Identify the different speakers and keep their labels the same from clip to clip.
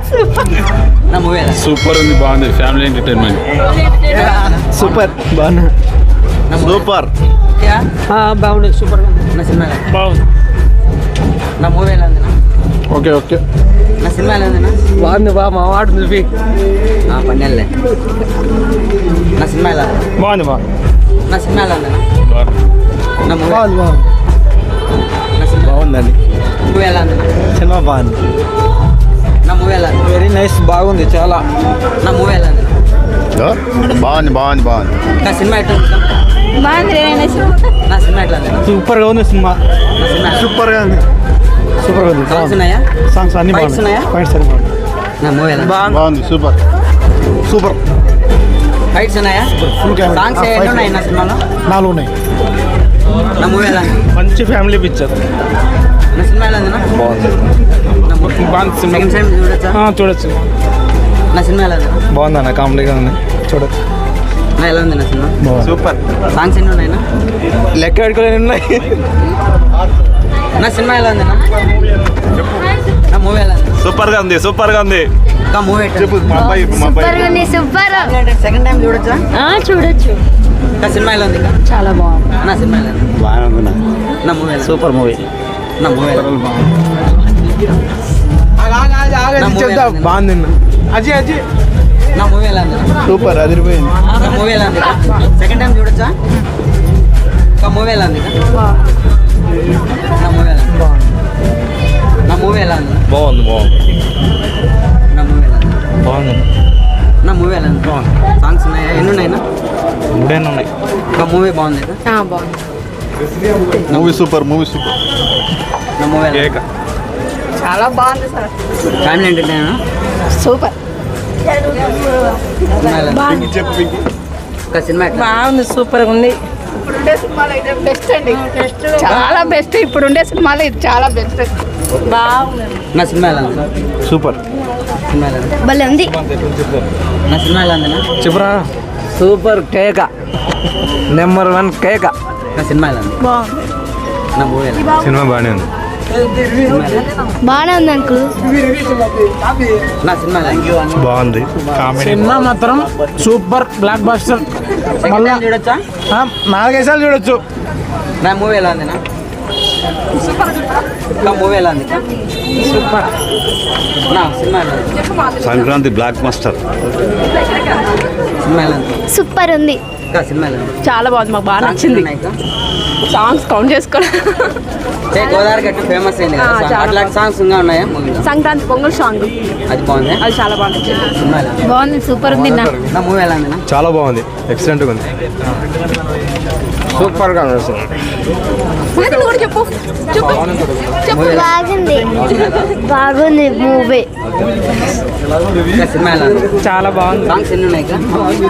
Speaker 1: నా movie
Speaker 2: super ఉంది, బాగుంది. ఫ్యామిలీ ఎంటర్టైన్మెంట్
Speaker 3: సూపర్ బాగున్నా. సూపర్
Speaker 1: బాగుంది. సూపర్ నా సినిమా
Speaker 2: బాగుంది.
Speaker 1: నా మూవీ ఎలా ఉంది?
Speaker 2: Okay okay.
Speaker 1: నా సినిమా ఎలా ఉంది?
Speaker 3: బాగుంది బా మా వాడు నువ్వు
Speaker 1: పన్నెళ్ళే. నా సినిమా ఎలా ఉంది?
Speaker 2: బాగుంది.
Speaker 1: నా సినిమా ఎలా ఉంది? నా మూవీ
Speaker 3: బాగుంది బాగుంది
Speaker 1: నా సినిమా
Speaker 3: బాగుందండి.
Speaker 1: మూవీ ఎలా ఉంది?
Speaker 3: సినిమా బాగుంది.
Speaker 1: నా మూవీ ఎలా ఉంది?
Speaker 3: వెరీ నైస్ బాగుంది చాలా.
Speaker 1: నా మూవీ ఎలా ఉంది?
Speaker 4: బాగుంది బాగుంది బాగుంది.
Speaker 1: నా సినిమా ఎట్లా ఉంది? నా సినిమా ఎట్లా ఉంది?
Speaker 3: సూపర్గా ఉంది సినిమా.
Speaker 1: నా సినిమా
Speaker 3: సూపర్గా ఉంది. సూపర్గా ఉంది.
Speaker 1: సాంగ్స్ ఉన్నాయా?
Speaker 3: సాంగ్స్ అన్ని
Speaker 1: Fights ఉన్నాయా?
Speaker 3: పాయింట్స్ అన్ని బాగుంది.
Speaker 1: నా మూవీ ఎలా ఉంది?
Speaker 4: బాగుంది. Super
Speaker 3: super.
Speaker 1: ఫైట్స్ ఉన్నాయా?
Speaker 3: Full camera.
Speaker 1: సాంగ్స్ ఎన్ని ఉన్నాయి నా సినిమాలో?
Speaker 3: 4 ఉన్నాయి.
Speaker 1: నా మూవీ ఎలా ఉంది?
Speaker 2: మంచి ఫ్యామిలీ పిక్చర్.
Speaker 1: నా సినిమా ఎలా ఉంది?
Speaker 3: బాగుంది.
Speaker 2: బాగుంది సినిమా.
Speaker 1: సెకండ్ టైం చూడొచ్చా?
Speaker 2: చూడొచ్చు.
Speaker 1: నా సినిమా ఎలా ఉంది?
Speaker 3: బాగుంది అన్న, కామెడీగా ఉంది చూడచ్చు.
Speaker 1: నా ఎలా ఉంది నా సినిమా?
Speaker 3: సూపర్.
Speaker 1: సాంగ్స్ ఎన్ని ఉన్నాయి?
Speaker 3: లెక్క పెట్టుకోలేని ఉన్నాయి.
Speaker 1: నా సినిమా ఎలా ఉంది? నా మూవీ ఎలా ఉంది?
Speaker 2: సూపర్ గా ఉంది. సూపర్ గా ఉంది.
Speaker 1: ఇంకా మూవీ
Speaker 4: చెప్పు మా అబ్బాయి
Speaker 5: సూపర్
Speaker 1: సెకండ్ టైం చూడొచ్చా?
Speaker 5: చూడొచ్చు.
Speaker 1: ఇంకా సినిమా ఎలా ఉంది?
Speaker 5: చాలా బాగుంది.
Speaker 1: నా సినిమా ఎలా ఉంది?
Speaker 4: బాగుంది.
Speaker 1: నా మూవీ ఎలా ఉంది?
Speaker 3: Super movie.
Speaker 1: నా మూవీ ఎలా ఉంది?
Speaker 3: బాగుంది. అజయ్ అజయ్
Speaker 1: నా మూవీ ఎలా ఉంది?
Speaker 3: సూపర్ అదిరిపోయింది.
Speaker 1: నా మూవీ ఎలా ఉంది? సెకండ్ టైం చూడొచ్చా? ఇంకా మూవీ ఎలా ఉంది? నా మూవీ ఎలా ఉంది? నా మూవీ ఎలా ఉంది?
Speaker 2: బాగుంది. బాగుంది.
Speaker 1: నా మూవీ ఎలా ఉంది?
Speaker 2: బాగుంది.
Speaker 1: నా మూవీ ఎలా ఉంది? సాంగ్స్ ఉన్నాయా? ఎన్ని ఉన్నాయినా?
Speaker 2: 3 ఉన్నాయి.
Speaker 1: ఇంకా మూవీ బాగుంది కదా?
Speaker 5: బాగుంది.
Speaker 4: Movie super. Movie super.
Speaker 1: నా మూవీ ఎలా ఉంది?
Speaker 5: చాలా బాగుంది సార్.
Speaker 1: Family entertainer.
Speaker 5: సూపర్.
Speaker 1: సినిమా ఎలా ఉంది? ఇంకా సినిమా ఎట్లా?
Speaker 5: బాగుంది. సూపర్ ఉంది. ఇప్పుడుండే సినిమాలు అయితే బెస్ట్ అండి. చాలా బెస్ట్. ఇప్పుడుండే సినిమాలు ఇది చాలా బెస్ట్. బాగుంది.
Speaker 1: నా సినిమా ఎలా ఉంది?
Speaker 3: సూపర్.
Speaker 1: సినిమా ఎలా ఉంది?
Speaker 5: భలే ఉంది.
Speaker 1: నా సినిమా ఎలా ఉంది?
Speaker 3: చెప్పరా. సూపర్ కేక. నెంబర్ 1 కేక.
Speaker 1: నా సినిమా ఎలా ఉంది?
Speaker 5: బాగుంది.
Speaker 1: నా మూవీ ఎలా ఉంది?
Speaker 3: సినిమా బాగానే ఉంది.
Speaker 5: బాగానే ఉంది అంకుల్.
Speaker 1: నా సినిమా ఎలా ఉంది?
Speaker 3: బాగుంది.
Speaker 2: సినిమా మాత్రం super blockbuster.
Speaker 1: Second time చూడొచ్చా?
Speaker 3: 4-5 సార్లు చూడొచ్చు.
Speaker 1: నా మూవీ ఎలా ఉంది? నా మూవీ ఎలా ఉంది? సూపర్. నా సినిమా ఎలా ఉంది?
Speaker 4: Sankranti black master.
Speaker 1: సినిమా ఎలా ఉంది?
Speaker 5: సూపర్ ఉంది.
Speaker 1: ఇంకా సినిమా ఎలా ఉంది?
Speaker 5: చాలా బాగుంది. మాకు బాగా
Speaker 1: సాంగ్స్
Speaker 5: నచ్చింది.
Speaker 1: ఉన్నాయి ఇంకా?
Speaker 5: సాంగ్స్ కౌంట్ చేసుకోవాలి.
Speaker 1: గోదావరి గట్టు ఫేమస్ అయింది కదా సాంగ్.
Speaker 5: చాలా
Speaker 1: అట్లాంటి సాంగ్స్ ఇంకా ఉన్నాయా మూవీలో?
Speaker 5: సంక్రాంతి పొంగల్ సాంగ్
Speaker 1: అది బాగుంది.
Speaker 5: అది చాలా బాగుంది.
Speaker 1: సినిమా ఎలా ఉంది?
Speaker 5: బాగుంది. సూపర్ ఉంది.
Speaker 1: నా మూవీ ఎలా ఉంది?
Speaker 3: చాలా బాగుంది. ఎక్సలెంట్గా ఉంది. సూపర్గా ఉంది అసలు.
Speaker 5: చెప్పు చెప్పు చెప్పు.
Speaker 6: బాగుంది. బాగుంది మూవీ.
Speaker 1: ఇంకా సినిమా ఎలా ఉంది?
Speaker 5: చాలా బాగుంది.
Speaker 1: సాంగ్స్ ఎన్ని ఉన్నాయి ఇంకా?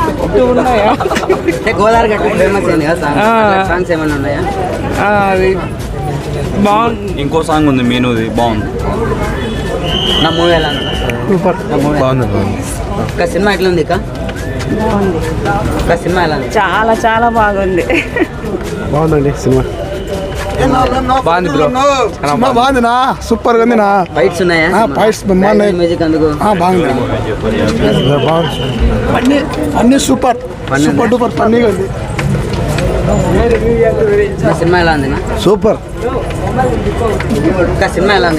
Speaker 1: గోదావరి గట్టు ఫేమస్ అయింది కదా సాంగ్. అట్లాంటి సాంగ్స్ ఏమైనా ఉన్నాయా?
Speaker 5: అది బాగుంది.
Speaker 2: ఇంకో సాంగ్ ఉంది మీనుది, బాగుంది.
Speaker 1: నా మూవీ ఎలా ఉంది?
Speaker 3: సూపర్.
Speaker 1: నా మూవీ
Speaker 3: బాగుంది.
Speaker 1: ఇంకా సినిమా ఎట్లా ఉంది? ఇంకా సినిమా ఎలా ఉంది?
Speaker 5: చాలా చాలా బాగుంది.
Speaker 3: బాగుందండి సినిమా. బాగుంది బ్రో. సినిమా బాగుందినా. సూపర్గా ఉందినా.
Speaker 1: ఫైట్స్ ఉన్నాయా?
Speaker 3: ఫైట్స్ బాగున్నాయి.
Speaker 1: మ్యూజిక్ అందుకు
Speaker 3: బాగుంది. అన్ని సూపర్. సూపర్ డూపర్ ఫన్నీగా ఉంది.
Speaker 1: నా సినిమా ఎలా ఉంది?
Speaker 3: సూపర్.
Speaker 1: ఇంకా సినిమా ఎలా ఉంది?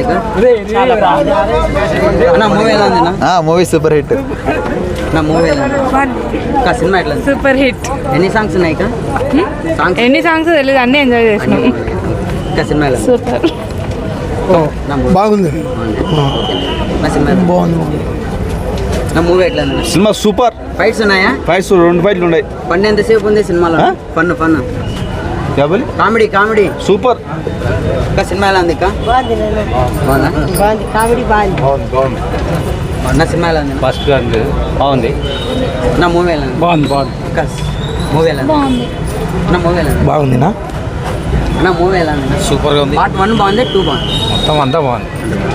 Speaker 1: నా మూవీ ఎలా ఉంది?
Speaker 3: Movie super hit.
Speaker 1: నా మూవీ ఎలా ఉంది? ఇంకా సినిమా ఎట్లా ఉంది?
Speaker 5: Super hit.
Speaker 1: ఎన్ని సాంగ్స్ ఉన్నాయి? సాంగ్స్
Speaker 5: ఎన్ని సాంగ్స్ తెలియదు, అన్నీ ఎంజాయ్ చేసినాం.
Speaker 1: ఇంకా సినిమా ఎలా ఉంది?
Speaker 5: సూపర్.
Speaker 1: నా మూవీ
Speaker 3: బాగుంది.
Speaker 1: నా సినిమా ఎలా ఉంది?
Speaker 3: బాగుంది.
Speaker 1: నా మూవీ ఎట్లా ఉంది?
Speaker 2: సినిమా సూపర్.
Speaker 1: ఫైట్స్ ఉన్నాయా?
Speaker 2: ఫైట్స్ 2 ఫైట్లు ఉన్నాయి.
Speaker 1: ఫన్ ఎంతసేపు ఉంది సినిమాలో? Fun comedy comedy
Speaker 2: super.
Speaker 1: ఇంకా సినిమా ఎలా ఉంది? బాగుందా?
Speaker 5: కామెడీ బాగుంది.
Speaker 1: నా సినిమా ఎలా ఉంది?
Speaker 2: ఫస్ట్ బాగుంది.
Speaker 1: నా మూవీ ఎలా ఉంది?
Speaker 2: బాగుంది. బాగుంది.
Speaker 1: ఇంకా మూవీ ఎలా ఉంది? నా మూవీ ఎలా ఉంది?
Speaker 3: బాగుందినా.
Speaker 1: నా మూవీ ఎలా ఉంది?
Speaker 2: సూపర్గా ఉంది.
Speaker 1: పార్ట్ 1 బాగుంది, 2 బాగుంది.
Speaker 2: మొత్తం అంతా బాగుంది.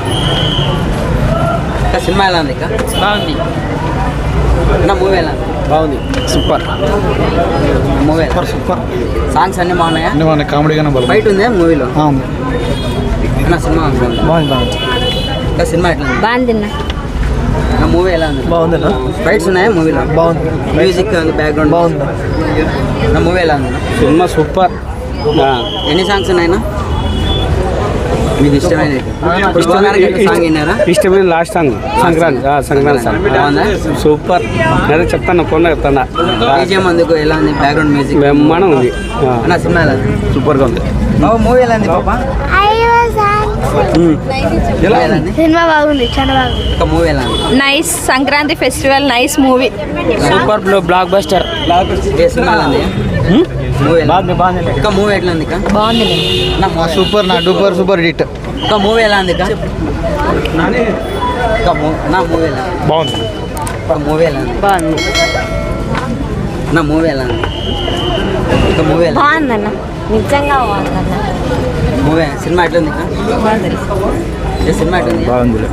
Speaker 1: ఇంకా సినిమా ఎలా ఉంది? బాగుంది. నా మూవీ ఎలా ఉంది?
Speaker 3: బాగుంది. సూపర్.
Speaker 1: Movie
Speaker 3: super.
Speaker 1: సాంగ్స్ అన్నీ బాగున్నాయా?
Speaker 3: బాగున్నాయి. కామెడీగానే
Speaker 1: ఫైట్ ఉందా మూవీలో?
Speaker 3: ఉంది.
Speaker 1: నా సినిమా బాగుంది.
Speaker 3: బాగుంది.
Speaker 1: ఇంకా సినిమా ఎట్లా ఉంది?
Speaker 6: బాగుంది.
Speaker 1: నా మూవీ ఎలా ఉంది?
Speaker 2: బాగుందన్నా
Speaker 1: ఫైట్స్ ఉన్నాయా మూవీలో?
Speaker 2: బాగుంది.
Speaker 1: మ్యూజిక్ బ్యాక్గ్రౌండ్
Speaker 2: బాగుంది.
Speaker 1: నా మూవీ ఎలా ఉంది?
Speaker 2: సినిమా సూపర్.
Speaker 1: ఎన్ని సాంగ్స్ ఉన్నాయినా మీకు ఇష్టమైన సాంగ్ విన్నారా?
Speaker 2: ఇష్టమైన లాస్ట్ సాంగ్ సంక్రాంతి సాంగ్
Speaker 1: బాగుందా?
Speaker 2: సూపర్. అదే చెప్తాను కొన్న చెప్తాను
Speaker 1: బీజిఎం అందుకు ఎలా ఉంది? బ్యాక్గ్రౌండ్ మ్యూజిక్
Speaker 2: బ్రహ్మాండం ఉంది.
Speaker 1: నా సినిమా ఎలా ఉంది?
Speaker 2: సూపర్గా ఉంది.
Speaker 1: మూవీ ఎలా ఉంది పాప? ఎలా ఉంది?
Speaker 6: సినిమా బాగుంది, చాలా బాగుంది.
Speaker 1: ఒక మూవీ ఎలా ఉంది?
Speaker 5: Nice Sankranti festival nice movie.
Speaker 2: Super blockbuster.
Speaker 1: ఏ సినిమా ఎలా ఉంది? మూవీ ఒక మూవీ ఎట్లా ఉంది?
Speaker 5: బాగుంది.
Speaker 2: సూపర్ నా డూపర్ సూపర్ హిట్.
Speaker 1: ఒక మూవీ ఎలా ఉంది? నా మూవీ ఎలా ఉంది?
Speaker 2: బాగుంది.
Speaker 1: ఒక మూవీ ఎలా ఉంది?
Speaker 5: బాగుంది.
Speaker 1: నా మూవీ ఎలా ఉంది? ఒక మూవీ ఎలా
Speaker 6: బాగుందన్న, నిజంగా బాగుందన్న.
Speaker 1: మూవీ సినిమా ఎట్లా ఉంది? ఏ సినిమా ఎట్లా ఉంది?
Speaker 2: బాగుంది.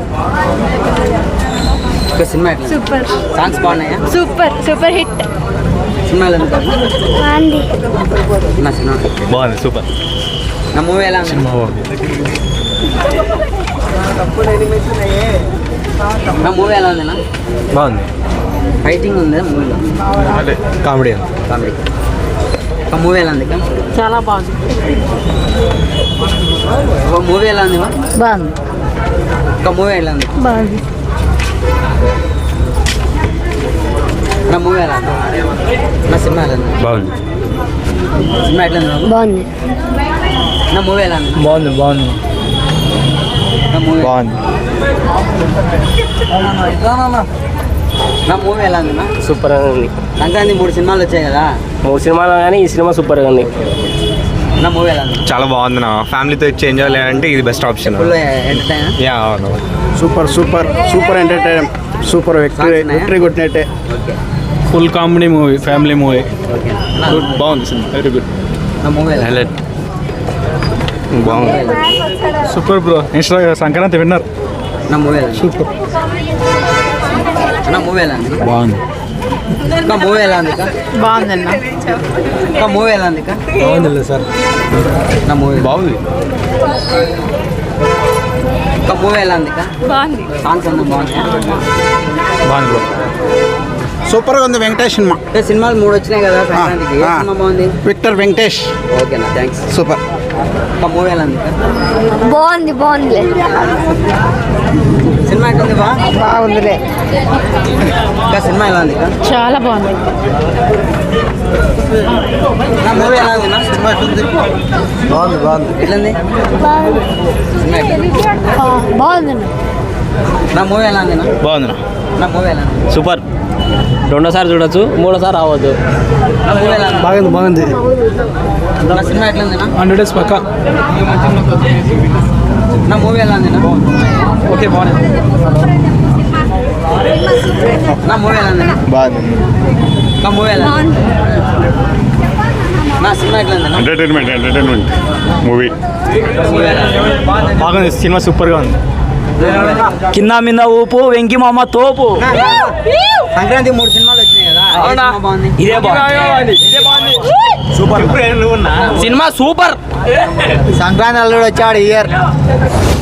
Speaker 1: ఒక సినిమా ఎట్లా ఉంది?
Speaker 5: సూపర్
Speaker 1: సాంగ్స్ బాగున్నాయా?
Speaker 5: Super super hit.
Speaker 1: సినిమా ఎలా ఉంది?
Speaker 6: బాగుంది.
Speaker 1: నా సినిమా
Speaker 4: బాగుంది సూపర్.
Speaker 1: నా మూవీ ఎలా ఉంది? నా మూవీ ఎలా ఉంది?
Speaker 2: బాగుంది.
Speaker 1: ఫైటింగ్ ఉందా మూవీలో?
Speaker 2: కామెడీ.
Speaker 1: కామెడీ. ఒక మూవీ ఎలా ఉంది?
Speaker 5: చాలా బాగుంది.
Speaker 1: ఒక మూవీ ఎలా ఉంది?
Speaker 5: బాగుంది.
Speaker 1: ఒక మూవీ ఎలా ఉంది?
Speaker 5: బాగుంది.
Speaker 1: నా మూవీ ఎలా ఉంది? నా సినిమా ఎలా ఉంది?
Speaker 2: బాగుంది.
Speaker 1: సినిమా ఎట్లా ఉంది?
Speaker 6: బాగుంది.
Speaker 1: నా మూవీ ఎలా ఉంది?
Speaker 2: బాగుంది. బాగుంది.
Speaker 1: నా మూవీ
Speaker 2: బాగుంది.
Speaker 1: నా మూవీ ఎలా ఉంది?
Speaker 3: సూపర్ గా ఉంది.
Speaker 1: సంక్రాంతి 3 సినిమాలు వచ్చాయి కదా,
Speaker 3: 3 సినిమాలు కానీ ఈ సినిమా సూపర్ గా ఉంది.
Speaker 1: నా మూవీ ఎలా ఉంది?
Speaker 7: చాలా బాగుంది నా ఫ్యామిలీతో చేంజ్ అవ్వాలంటే ఇది best option.
Speaker 1: Full entertain.
Speaker 7: Yeah అవును.
Speaker 2: Super super super entertain. Super victory కొట్టినట్టే.
Speaker 1: Okay
Speaker 2: full comedy movie, family movie.
Speaker 1: Okay.
Speaker 2: బాగుంది సినిమా, వెరీ గుడ్.
Speaker 1: నా మూవీ ఎలా ఉంది?
Speaker 7: బాగుంది.
Speaker 2: Super bro. సంక్రాంతి విన్నర్.
Speaker 1: నా మూవీ ఎలా ఉంది? సూపర్. నా మూవీ ఎలా ఉంది?
Speaker 2: బాగుంది.
Speaker 1: నా మూవీ ఎలా ఉంది?
Speaker 5: బాగుందన్న.
Speaker 1: నా మూవీ ఎలా ఉంది?
Speaker 2: బాగుంది సార్.
Speaker 1: నా మూవీ
Speaker 2: బాగుంది.
Speaker 1: ఒక మూవీ ఎలా ఉంది?
Speaker 5: బాగుంది.
Speaker 1: సాంగ్స్ అన్నీ బాగున్నాయా?
Speaker 2: బాగుంది బ్రో.
Speaker 8: సూపర్గా ఉంది వెంకటేష్ సినిమా.
Speaker 1: అంటే సినిమాలు 3 వచ్చినాయి కదా సంక్రాంతికి, ఏ సినిమా బాగుంది?
Speaker 8: విక్టర్ వెంకటేష్
Speaker 1: ఓకేనా, థ్యాంక్స్.
Speaker 8: సూపర్.
Speaker 1: ఒక మూవీ ఎలా ఉంది?
Speaker 6: బాగుంది, బాగుందిలే.
Speaker 1: సినిమా ఎట్లుంది?
Speaker 5: బాగుందిలే.
Speaker 1: ఇంకా సినిమా ఎలా ఉంది?
Speaker 5: చాలా బాగుంది.
Speaker 1: నా మూవీ ఎలా ఉంది? సినిమా ఎట్లుంది?
Speaker 2: బాగుంది. బాగుంది.
Speaker 1: ఎట్లుంది
Speaker 6: బాగుంది.
Speaker 1: సినిమా ఎట్లుంది?
Speaker 6: బాగుందన్న.
Speaker 1: నా మూవీ ఎలా ఉంది?
Speaker 2: బాగుంది.
Speaker 1: నా మూవీ ఎలా ఉంది?
Speaker 3: సూపర్. రెండోసారి చూడొచ్చు, మూడోసారి రావద్దు.
Speaker 1: నా మూవీ ఎలా ఉంది?
Speaker 2: బాగుంది. బాగుంది.
Speaker 1: నా సినిమా ఎట్లుంది?
Speaker 2: 100 డేస్ పక్క.
Speaker 1: నా మూవీ ఎలా ఉంది?
Speaker 2: ఓకే బాగుంది.
Speaker 1: నా మూవీ ఎలా ఉంది?
Speaker 2: బాగుంది.
Speaker 1: నా మూవీ ఎలా ఉంది? నా సినిమా ఎట్లా ఉంది?
Speaker 4: Entertainment movie.
Speaker 1: మూవీ ఎలా ఉంది?
Speaker 2: బాగుంది. సినిమా సూపర్గా ఉంది.
Speaker 3: కింద మీద ఊపు, వెంకి మామ తోపు.
Speaker 1: సంక్రాంతి 3 సినిమాలు వచ్చినాయి కదా, ఏ సినిమా బాగుంది?
Speaker 3: ఇదే బాగుంది. Super cinema, super.
Speaker 2: సంక్రాంతి అల్లుడు వచ్చాడు ఇయర్.